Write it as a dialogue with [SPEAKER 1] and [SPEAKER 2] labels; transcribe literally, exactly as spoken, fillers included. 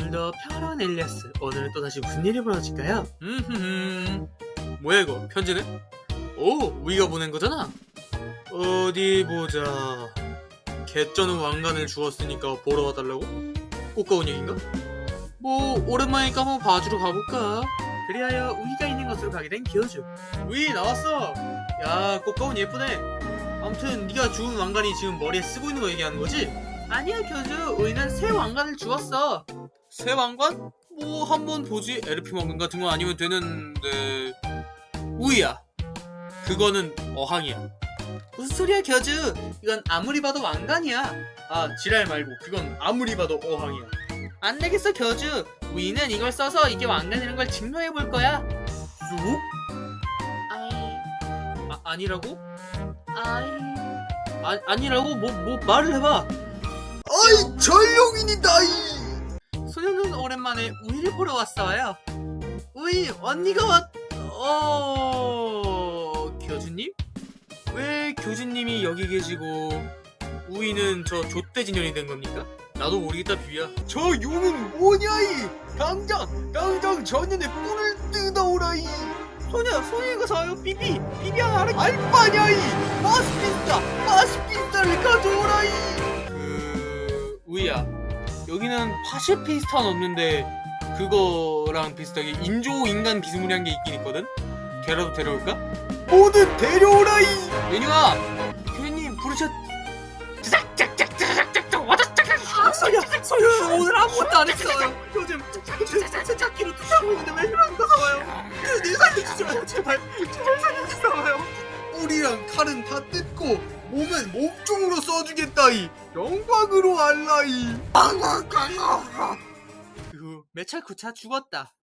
[SPEAKER 1] 오늘도 평화로운 엘리아스. 오늘은 또다시 무슨 일이 벌어질까요? 음흠. 뭐야 이거? 편지네? 오, 우리가 보낸 거잖아? 어디 보자. 개쩌는 왕관을 주었으니까 보러 와달라고? 꽃가운 얘긴가? 뭐 오랜만이니까 한번 봐주러 가볼까? 그리하여 우이가 있는 곳으로 가게 된 교주. 우이 나왔어. 야, 꽃가운 예쁘네. 아무튼 네가 주운 왕관이 지금 머리에 쓰고 있는 거 얘기하는 거지? 아니야 교주, 우이는 새 왕관을 주었어. 새 왕관? 뭐 한번 보지. 엘피 왕관 같은 거 아니면 되는데. 우이야, 그거는 어항이야. 무슨 소리야 교주, 이건 아무리 봐도 왕관이야. 아, 지랄 말고 그건 아무리 봐도 어항이야. 안 되겠어 교주, 우이는 이걸 써서 이게 왕관이라는 걸 증명해 볼 거야. 뭐? 아이... 아, 아니라고? 아이... 아, 아니라고? 뭐, 뭐 말을 해봐.
[SPEAKER 2] 아이, 전룡인이다이.
[SPEAKER 1] 소녀는 오랜만에 우이를 보러 왔어요. 우이, 언니가 왔... 어... 교주님? 왜 교주님이 여기 계시고 우이는 저 족대진년이 된 겁니까? 나도 모르겠다 비비야.
[SPEAKER 2] 저 용은 뭐냐이. 당장 당장 전년에 뿔을 뜯어오라이.
[SPEAKER 1] 소녀, 소녀가 사요. 비비, 비비 하나 알아.
[SPEAKER 2] 알바냐이. 마스피스타 마스피스타를 가져오라이.
[SPEAKER 1] 그... 우이야, 여기는 파시피스타는 없는데 그거랑 비슷하게 인조인간 비스무리한 게 있긴 있거든? 걔라도 데려올까?
[SPEAKER 2] 모두 데려오라이.
[SPEAKER 1] 메뉴아! 교수님 부르셨... 아, 소녀! 소녀! 오늘 아무것도 안 했어요! 요즘 세탁기로 뜯고 있는데 왜 이러는 거 사와요? 내 살려주세요! 제발! 제발 살려주세요!
[SPEAKER 2] 뿔이랑 칼은 다 뜯고 몸은 몸종으로 써주겠다이. 영광으로 알라이.
[SPEAKER 1] 그 후 매찰 구차 죽었다.